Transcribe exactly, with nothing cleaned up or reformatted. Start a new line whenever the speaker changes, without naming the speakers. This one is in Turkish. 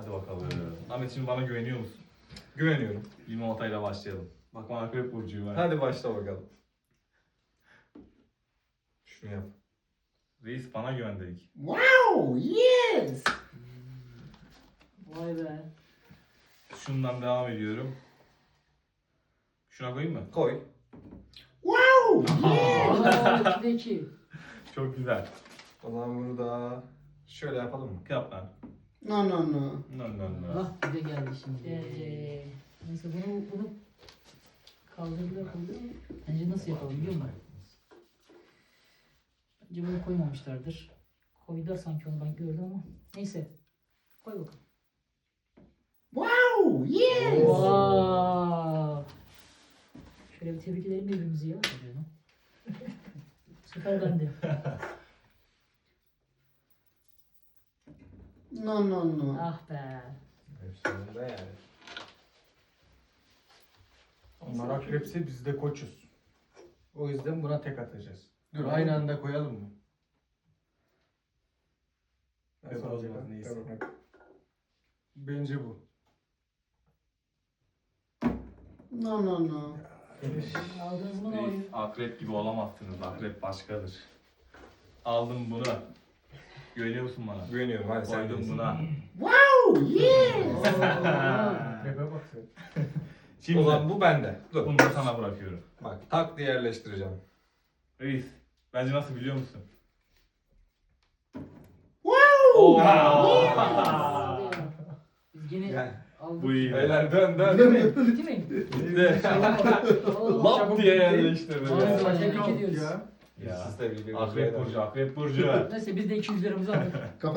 Hadi bakalım. Ahmet şimdi bana güveniyor musun?
Güveniyorum.
Limonatayla başlayalım. Bak bana akrep burcuyum ben.
Hadi başla bakalım. Şunu yap.
Reis bana güven dedik.
Wow, yes.
Vay be.
Şundan devam ediyorum. Şuna koyayım mı?
Koy.
Wow, yes.
Aa, ikide iki.
Çok güzel.
O zaman bunu da şöyle yapalım mı?
Yap lan.
No, no, no.
No no no.
Ah bir de geldi şimdi. Ee, neyse bunu bunu kaldırdılar koydular. Bence nasıl yapalım biliyor musun? Bence bunu koymamışlardır. Koydular sanki onu ben gördüm ama. Neyse. Koy bakalım.
Wow, yes.
Wow. Şöyle bir tebrik edelim birbirimizi ya. Bu sefer ben de.
No, no, no.
Ah be.
Hepsinde yani. Onlar akrepse biz de koçuz. O yüzden buna tek atacağız. Dur aynı anda koyalım mı?
Yok,
Nasıl
o
olacak?
zaman neyse.
Tamam, hadi. Bence bu.
No, no, no.
Aldınız mı ne
Reis,
oluyor?
akrep gibi olamazsınız. Akrep başkadır. Aldım bunu. Güveniyor musun bana?
Güveniyorum hadi sen
Koydum
bilirsin.
buna.
Wow, yes.
Akrepe bak sen.
Şimdi
O zaman bu bende. Dur.
bunu da sana bırakıyorum.
Bak tak diye yerleştireceğim.
Reis, bence nasıl biliyor musun?
Wow.
Oo.
Biz gene
Gel.
aldık.
Bu iyi.
Beyler dön dön.
Bitti mi?
Bitti.
Oo,
Lap
çabuk
diye
bitti.
yerleştirdim.
Vay
ya.
be,
Paket
tebrik
aldık
ediyoruz.
ya.
Ya.
Siz de biliyorsunuz.
Akrep burcu, akrep burcu.
Neyse biz de iki yüz liramızı aldık.